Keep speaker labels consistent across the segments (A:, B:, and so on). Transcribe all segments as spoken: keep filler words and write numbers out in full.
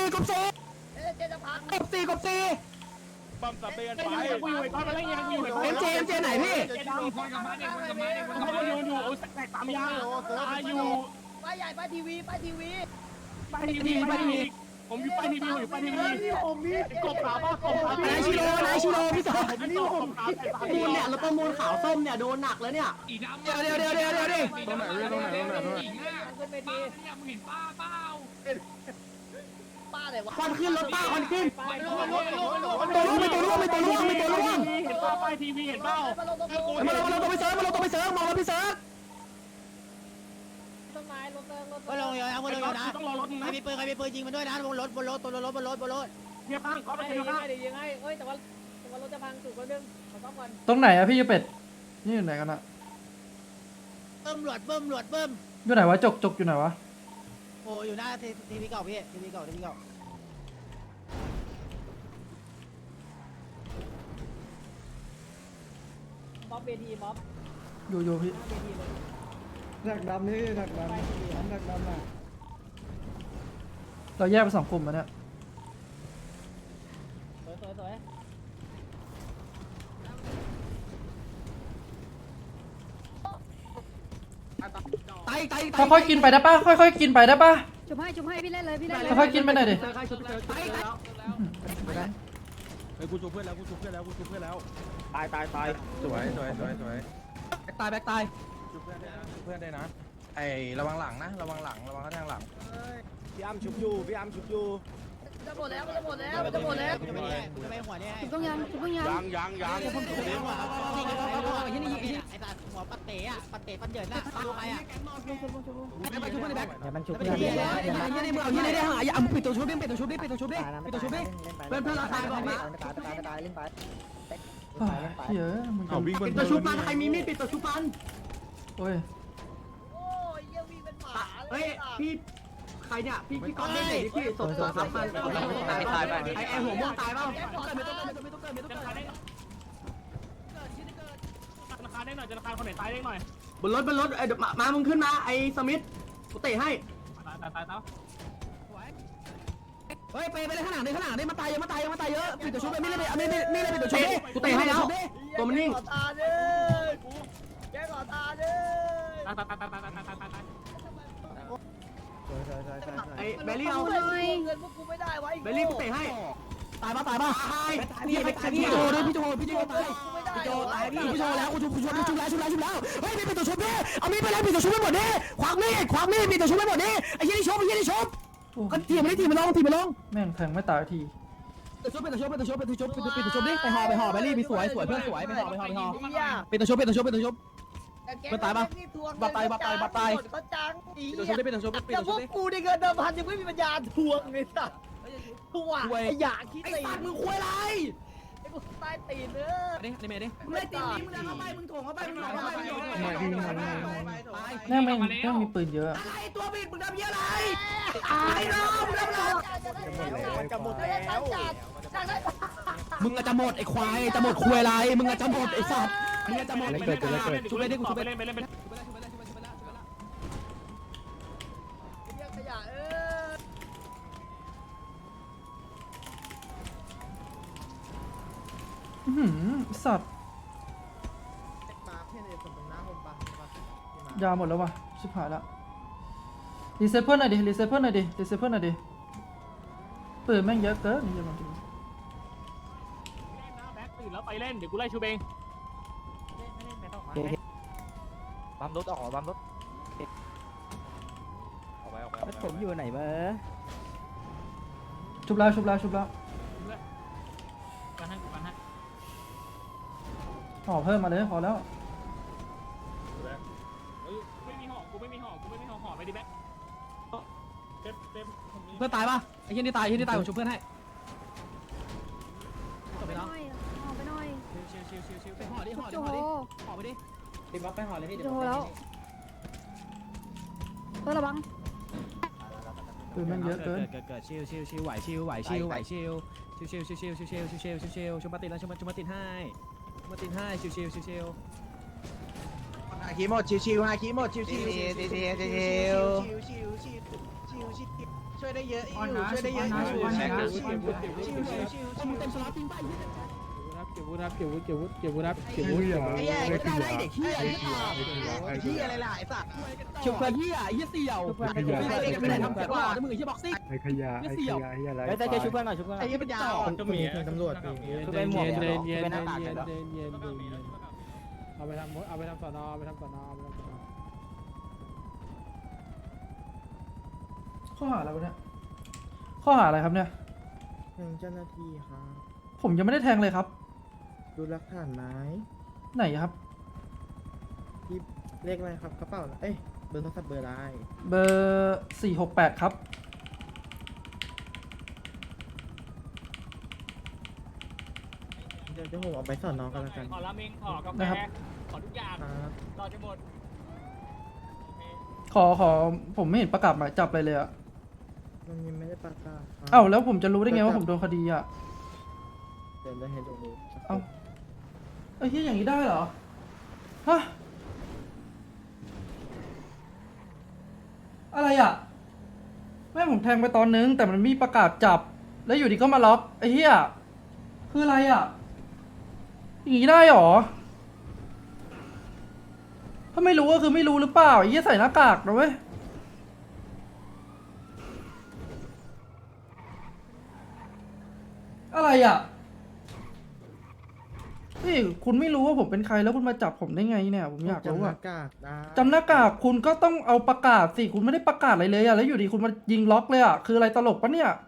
A: กบสี่
B: เอ๊ะเจจะพัง
A: กบสี่กบสี่
C: ปั๊มสับเปลี่ยนไป
D: กูอยู่ไอ้ก้อนมาแล้วยังกูอยู่ไอ้ก้อน
A: เอ็มเจเอ็มเจไหนพี่
D: เจดำคนกับบ้านเด็กคนกับบ้านเด็กคนกับบ้านอยู่อยู่โอ้ยแตกสามยางตายอยู่
B: ป้ายใหญ่ป้ายทีวีป้ายทีวี
D: ป้ายทีวีป้ายทีวีผมอยู่ป้ายทีวีผมอยู่ป้ายทีวีผมนี่กบขาวป้ากบขาวน
A: ายชิโร่นายชิโร่พี่สาว
D: นี่ผมขาวแต่สาม
A: มูลเนี่ยเราประมูลขาวส้มเนี่ยโดนหนักแล้วเนี่ยเดี๋ยวเดี๋ยวเดี๋ยวเดี๋ยวเดี๋ยวดิ
C: ตรงไหนตรงไหนตรงไหนตรงไหน
B: ขึ้นไปทีป้าไหนวะ
A: ควันขึ้นรถป้าควันขึ้น
B: ไปลงลงลงลง
A: ตัวร่วงไม่ตัวร่วงไม่ตัวร่วงไม่ตัวร่วง
D: เห็นป้าป้ายทีวีเห็นเปล่า
B: มาลงตรง
A: มาลงมาลงตัวไปเซิร์ฟมาลงตัวไปเซิร์ฟมองแล้วพี่เซิร์ฟ
B: ต้นไม้ลงเติมลง
E: ก็ลงเยอะนะก็ลงเยอะนะ
D: ต้องรอรถ
E: ใคร
D: นะ
E: มีปืนใครมีปืนยิงมันด้วยนะบนรถบนรถบนรถบนรถบนรถ
D: เฮียป้าเขาไป
B: ไม่
D: เจ
B: ได้
D: อ
B: ยิง
D: ป้า
B: ไม่ได้ยิงให้เอ้ยแต่ว่าแต่ว่ารถจะพังสุดคนนึงขอต้องก่อน
F: ตรงไหนอะพี่ยูเป็ดนี่อยู่ไหนกันอะ
E: เบิ้มหลวดเบิ้มหลวดเบิ้ม
F: อยู่ไหนวะจกจกอยู่ไหนวะ
E: โอ้อยู่หน้าทีวีเก่าพี่ทีวีเก่าทีวีเก่า
B: บ๊อบเบทีบ๊อบ
F: อยู่อยู่พี่
B: หน้าเบทีเลย
G: หนักดำนี่หนักดำหนักดำน่ะ
F: เราแยกไปสองกลุ่มมาเนี่ย
B: สวยสวยสวย
A: ไตไตไต
F: ค่อยๆกินไปได้ปะค่อยๆกินไปได้ปะ
H: จุบให้จุบให้พี่เล่นเลยพี่เล่นเลย
F: ค่อยๆกินไปหน่อยดิ
A: ไตไต
C: เฮ้ยกูชูเพื่อนแล้วกูชูเพื่อนแล้วกูชูเพื่อนแล้วตายตายตายสวยสวยสวยสวย
A: แบ็คตายแบ็คตาย
C: ชูเพื่อนได้นะชูเพื่อนได้นะไอ้ระวังหลังนะระวังหลังระวังข้างทางหลัง
G: พี่อ้ำชุบอยู่พี่อ้ำชุบอยู่
B: จะหมดแล้วจะหมดแล้วจะหมดแล้ว
E: จะไม่ได้จะไม่หัวเนี่ย
H: จุบต้องยังจุบต้องยัง
C: ยังยังยัง
E: ไอ้ตาหัวปัดเตะอะปัดเตะปัดเยินน่ะดูใครอะ
A: ไปชุบมันในแบ็ค
E: เดี๋ยวมันชุบ
A: เฮียเนี่ยเฮียเนี่ยมึงเอาเฮียเนี่ยหาอย่าปิดตัวชุบดิปิดตัวชุบดิปิดตัวชุบดิปิดตัวชุบดิเพื่อนเพื่อนเราตายบอกนะ
F: อ้าวเหี้ยมึง
C: เอาวิ่งบ
A: ปิ
C: น
A: ดตัวชุบมันใครมีมีดปิดตัวชุบมัน
F: โอ้ย
B: โอ้ยเยี่ยวิ่งเป็นหมา
A: เฮ้ยพี่ใครเนี่ยพี่พี่ก้อนเล่นไหนดิพี่สดสดสามพันตายตายไอไอหัวม่วงตายเปล่าไม่ต้องไม่ต้องไม่ต้องไม่ต้อง
D: จะราคาได้ราคาได้หน่อยจะราคาคนไหนตายได้หน่อย
A: บนรถบนรถไอมามามึงขึ้นมาไอสมิธกูเตะให้
D: ตายตายตายตาย
A: เฮ้ยไปไปเลยข้างหลังเลยข้างหลังเลยมาตายเยอะมาตายเยอะมาตายเยอะปิดตัวชุบไปไม่เลยไม่ไม่ไม่เลยปิดตัวชุบกูเตะให้แล้วตัวมันนิ่ง
B: ขอตาเลยแกขอตาเลย
D: ตายตายตายตายตายตายตายตาย
A: ไอเบลลี่เอา
B: เงินพวกกูไม่ได้ไว้
A: เบลลี่กูเตะให้ตายป่ะตายป่ะตายพี่พี่โจด้วยพี่โจพี่โจตาย
B: ไม่ได้
A: พี่โจตายพี่พี่โจแล้วกูชุบกูชุบชุบแล้วชุบแล้วชุบแล้วเฮ้ยมีปิดตัวชุบดิเอามีดไปเลยปิดตัวชุบไปหมดดิควักมีดควักมีดปิดตัวชุบไปหมดดิไอ้ยี่นี่ชุบไอ้ยี่นี่ชุบ
F: โอ้
A: ก็ทีมันได้ทีมันลงทีมันลง
F: แม่งแทงไม่ตายที
A: ปิดตัวชุบปิดตัวชุบปิดตัวชุบปิดตัวชุบปิดตัวปิดตัวชุบดิไปห่อไปห่อไปรีบไปสวยสวยเพื่อนสวยไปห่อไปห่อไปห่อปิดตัวชุบปิดตัวชุบปิดตัวชุบ
B: ก็จัง
A: ปิดตัวชุบดิปิดตัวชุบปิด
B: แต่
A: ตัว
B: พ
A: ชุ
B: ว
A: บ
B: ก
A: ดิ
B: กูในเงินเดิมพันยังไม่มีปัญญาทวงเลยสัตว์ทวงไอ้อยากคิด
A: ไอ้
B: ตี
A: สัตว์มึงคุยอะไร
B: ไอ้กูใต้ตีนเนื้อ
A: ดิดิเมดิมึงไม่ตีมึงเดินเข้าไปมึงถ่วงเข้าไปมึงถ่วงเข้าไปมึงถ่วงเข้าไป
F: แม่งแม่งแม่งมีปืนเยอะ
A: อะไรตัวบิดมึงทำเหี้ยอะไรไอ้น้องมึงทำอะไร
B: มันจะหมดแล้วจัดได้
A: มึงอาจจะหมดไอ้ควายจะหมดคุยอะไรมึงอาจจะหมดไอ้สัตว์มึงอาจจะหมดชุบไปดิกูชุบไป
D: เล่นไปเล่นไป
B: เรียกขยะเออ
F: อื้อหือสัตว์ยาหมดแล้ววะชิบหายละรีเซ็ตเพื่อนหน่อยดิรีเซ็ตเพื่อนหน่อยดิรีเซ็ตเพื่อนหน่อยดิปืนแม่งเยอะเกินนี่จะมาดู
D: แบ็คตื่นแล้วไปเล่นเดี๋ยวกูไล่ชูเบง
G: บัมรถออกบัมรถ
C: ออกไปออกไป
G: ผมอยู่ไหนเบอร์
F: ชุบแล้วชุบแล้วชุบแล้ว
D: กันให้กูกันให้
F: ห่อเพิ่มมาเลยพอแล้ว
D: ไม่มีห่อกูไม่มีห่อกูไม่มีห่อห่อไปดิแบ็คเต็มเต็ม
A: เพื่อนตายป่ะไอ้เหี้ยนี่ตายไอ้เหี้ยนี่ตายผมชุบเพื่อนให้
H: ไปหน่อยห่อไปหน่อย
D: ชิวชิวชิวชิว
A: ไปห่อดิห่อดิ
H: โจ
A: ห่อ
H: โห
A: ดิห่อไปดิ
G: ติดบัฟไปห่อเลยพี่
H: โจโหแล้วเพื่อระวัง
F: ปืนแม่งเยอะเกิน
G: เกิดเกิดชิวชิวชิวไหวชิวไหวชิวไหวชิวชิวชิวชิวชิวชิวชิวชิวชิวชิวชุบมาติดแล้วชุบมาชุบมาติดให้ชุบมาติดให้ชิวชิวชิวชิว
E: ฮาคิโมดชิวๆฮาคิโมดชิวๆชิวๆชิวๆชิวๆชิวๆชิวๆชิวๆช่วยได้เยอะอยู่ช่วยได้เยอะอยู่
A: มึงเต็มสล็อตจริงป่ะ
C: เก็บวุฒิครับเก็บวุฒิเก็บวุฒิเก็บวุฒิครับเก็บวุฒิ
E: ไอ้แย่ก็ได้ไอ้เด็กเหี้ยไอ้เหี้ยอะไรล่ะไอ้สัตว์
A: ชุบเพื่อนเหี้ยไอ้เหี้ยเสี่ยวไอ้เด็กไม่ได้ทำเสียก่อนนะมึงไอ้เหี้ยบ็อกซิ่ง
C: ไอ้ขยะไอ้ขยะไอ้อะไร
B: ไอ้ใจเชุบเพื่อนหน่อยชุบเพื่อน
E: ไอ้เหี้ยปัญญาอ่อน
C: ก็มีตำรวจมี
B: คือเป็นหมวก
C: เย็น
B: เหรอ
C: เย็น
B: เป็นหน้า
C: เย็น
B: ตาก
C: เย็
B: เหรอ
C: นเย็นเอาไปทำเอาไปทำสอนอเอาไปทำสอนอเอาไปทำสอนอ
F: ข้อหาอะไรวะเนี่ยข้อหาอะไรครับเนี่ย
I: แทงเจ้าหน้าที่ครับ
F: ผมยังไม่ได้แทงเลยครับ
I: ดูหลักฐานไหม
F: ไหนครับ
I: ที่เลขอะไรครับกระเป๋าเอ้ยเบอร์โทรศัพท์เบอร์อะไร
F: เบอร์สี่หกแปดครับ
I: เดี๋ยวจะผมเอาไปสอนน้องกันแล้วกัน
D: ขอราเมงขอกาแฟ
F: นะครับ
D: ขอทุกอย่าง
I: ครับ
D: รอจะหมด
F: ขอขอผมไม่เห็นประกาศหมายจับอะไรเลยอะ
I: มันยังไม่ได้ประกาศครับ
F: เอ้าแล้วผมจะรู้ได้ไงว่าผมโดนคดีอะ
I: เดี๋ยวจะเห็นตรงนี้สักครู่
F: เอ้าไอ้ที่อย่างนี้ได้เหรอฮะอะไรอะแม่ผมแทงไปตอนนึงแต่มันมีประกาศจับ แล้วอยู่ดีก็มาล็อกไอ้เหี้ยคืออะไรอะอย่างนี้ได้เหรอถ้าไม่รู้ก็คือไม่รู้หรือเปล่าไอ้เหี้ยใส่หน้ากากนะเว้ยอะไรอ่ะนี่คุณไม่รู้ว่าผมเป็นใครแล้วคุณมาจับผมได้ไงเนี่ยผมอยากรู้
I: จำห
F: อ่ะ
I: น้ากากได้
F: จำหน้ากากคุณก็ต้องเอาประกาศสิคุณไม่ได้ประกาศอะไรเลยอ่ะแล้วอยู่ดีคุณมายิงล็อกเลยอ่ะคืออะไรตลกปะเนี่ย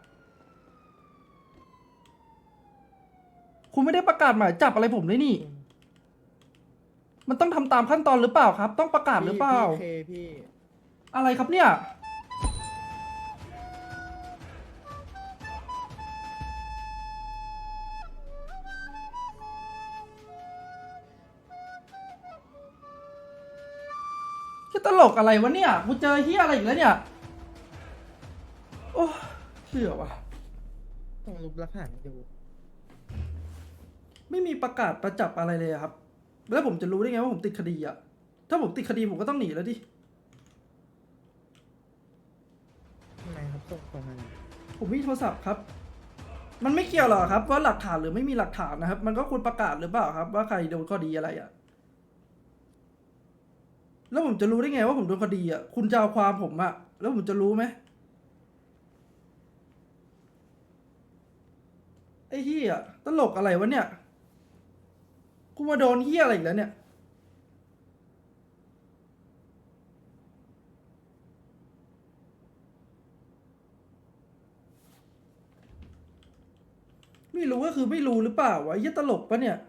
F: คุณไม่ได้ประกาศหมายจับอะไรผมเลยนี่ มันต้องทำตามขั้นตอนหรือเปล่าครับ ต้องประกาศหรือเปล่า
I: พี่พี่
F: อะไรครับเนี่ยคือตลกอะไรวะเนี่ยกูเจอเฮียอะไรอีกแล้วเนี่ยโอ้เชื่อวะ
I: ต้องรูปหลักฐานให้ดู
F: ไม่มีประกาศประจับอะไรเลยอะครับ แล้วผมจะรู้ได้ไงว่าผมติดคดีอ่ะ ถ้าผมติดคดีผมก็ต้องหนีแล้วดิ
I: ทำไมครับส่งส่งมา
F: ผมมีโทรศัพท์ครับ มันไม่เกี่ยวหรอกครับ ว่าหลักฐานหรือไม่มีหลักฐานนะครับ มันก็ควรประกาศหรือเปล่าครับ ว่าใครโดนคดีอะไรอ่ะ แล้วผมจะรู้ได้ไงว่าผมโดนคดีอ่ะ คุณจะเอาความผมอ่ะ แล้วผมจะรู้ไหมไอ้เหี้ยตลกอะไรวะเนี่ย กูมาโดนเหี้ยอะไรอีกแล้วเนี่ย ไม่รู้ก็คือไม่รู้หรือเปล่าวะไอ้เหี้ยตลกปะเนี่ย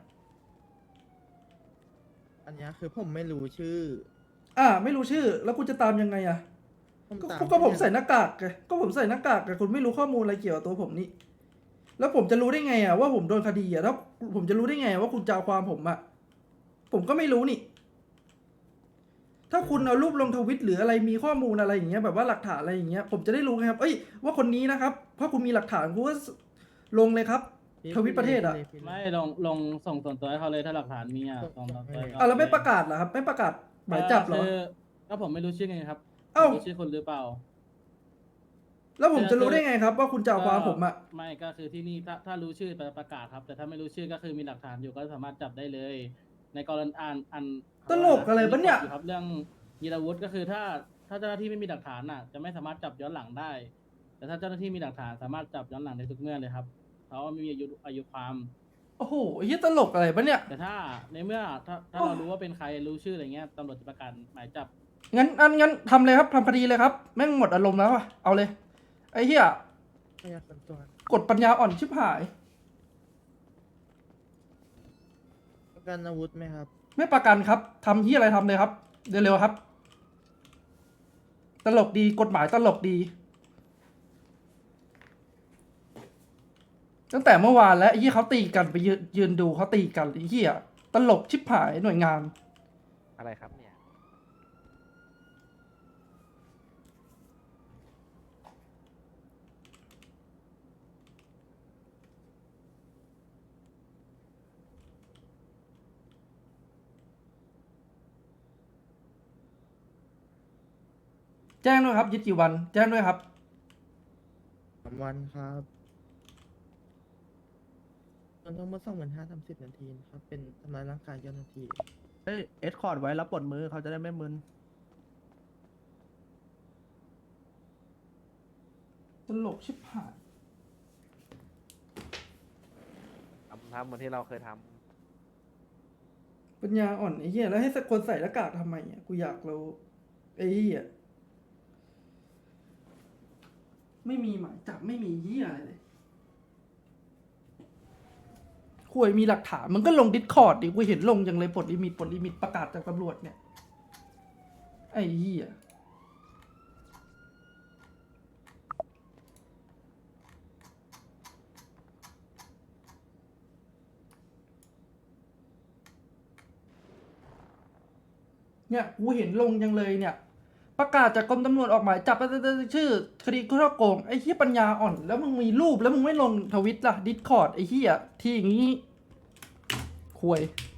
I: อันเนี้ยคือผมไม่รู้ชื่อ
F: อ่า ไม่รู้ชื่อ แล้วกูจะตามยังไงอ่ะ
I: ผม
F: ก็
I: ตาม
F: ก็ผมใส่หน้ากากไงก็ผมใส่หน้ากากไงคุณไม่รู้ข้อมูลอะไรเกี่ยวกับตัวผมนี่ แล้วผมจะรู้ได้ไงอ่ะว่าผมโดนคดีอ่ะแล้วผมจะรู้ได้ไงว่าคุณจะเอาความผมอ่ะ ผมก็ไม่รู้นี่ ถ้าคุณเอารูปลงทวิตหรืออะไรมีข้อมูลอะไรอย่างเงี้ยแบบว่าหลักฐานอะไรอย่างเงี้ย ผมจะได้รู้ไงครับ เอ้ยว่าคนนี้นะครับ เพราะคุณมีหลักฐานคุณก็ลงเลยครับ
I: พี่
F: ทวิตประเทศอะ
I: พี่พี่
J: ไม่ลงลงส่งส่วนตัวให้เขาเลยถ้าหลักฐานมีอ่ะส่งส่วนตัวให้เขา
F: อ่ะแล้วไม่ประกาศเหรอครับ ไม่ประกาศหมายจับเหรอ
J: คือก็ผมไม่รู้ชื่อไงครับ
F: เอ้า
J: ผมรู้ชื่อคนหรือเปล่า
F: แล้วผมจะรู้ได้ไงครับ ว่าคุณจะเอาความผมอ่ะ
J: ไม่ก็คือที่นี่ถ้าถ้ารู้ชื่อไปประกาศครับ แต่ถ้าไม่รู้ชื่อก็คือมีหลักฐานอยู่ก็สามารถจับได้เลย ในกรณีอ่านอัน
F: ตลกอะไรปะเนี่ย
J: มีครับเรื่องยีราวุธก็คือถ้าถ้าเจ้าหน้าที่ไม่มีหลักฐานน่ะ จะไม่สามารถจับย้อนหลังได้ แต่ถ้าเจ้าหน้าที่มีหลักฐานสามารถจับย้อนหลังได้ทุกเมื่อเลยครับเพราะว่าไม่มีอายุอายุความ
F: โอ้โหไอ้เหี้ยตลกอะไรปะเนี่ย
J: แต่ถ้าในเมื่อถ้าถ้า
F: โอ้
J: เรารู้ว่าเป็นใครรู้ชื่ออะไรเงี้ยตำรวจจะประกาศหมายจับ
F: งั้นอันงั้นทำเลยครับทำคดีเลยครับ แม่งหมดอารมณ์แล้วอะเอาเลย ไอ้เหี้ย
I: พยาคนตัว
F: กดปัญญาอ่อนชิบหาย
I: ประกันอาวุธไหมครับ
F: ไม่ประกันครับทำที่อะไรทำเลยครับเร็วๆครับ ตลกดีกฎหมายตลกดี ตั้งแต่เมื่อวานแล้วไอ้ที่เขาตีกันไปยืนยืนดูเขาตีกันไอ้เหี้ยตลกชิบหายหน่วยงาน
C: อะไรครับเนี่ย
F: แจ้งด้วยครับยึดกี่วัน แจ้งด้วยครับ
I: ามวันครับมันต้องมาสองหมื่นห้าทำสิบนาทีนะครับ เป็นทำร้ายร่างกายเจ้าหน้าที่
C: เฮ้ยเอสคอร์ดไว้แล้วปลดมือเขาจะได้ไม่มึน
F: ตลกชิบหาย
C: ทำทำเหมือนที่เราเคยท
F: ปัญญาอ่อนไอ้เหี้ยแล้วให้สักคนใส่หน้ากากทำไมอ่ะกูอยากรู้ไอ้เหี้ยไม่มีหมายจับไม่มีเหี้ยอะไรเลยคุยมีหลักฐานมันก็ลงดิสคอร์ดดิกูเห็นลงอย่างเลยปลดลิมิตปลดลิมิตประกาศจากตำรวจเนี่ยไอ้เหี้ยเนี่ยกูเห็นลงยังเลยเนี่ย ประกาศจากกรมตำรวจออกหมายจับชื่อคดีช่อโกงไอ้เหี้ยปัญญาอ่อนแล้วมึงมีรูปแล้วมึงไม่ลงทวิตล่ะดิสคอร์ดไอ้เหี้ยที่อย่างงี้คุย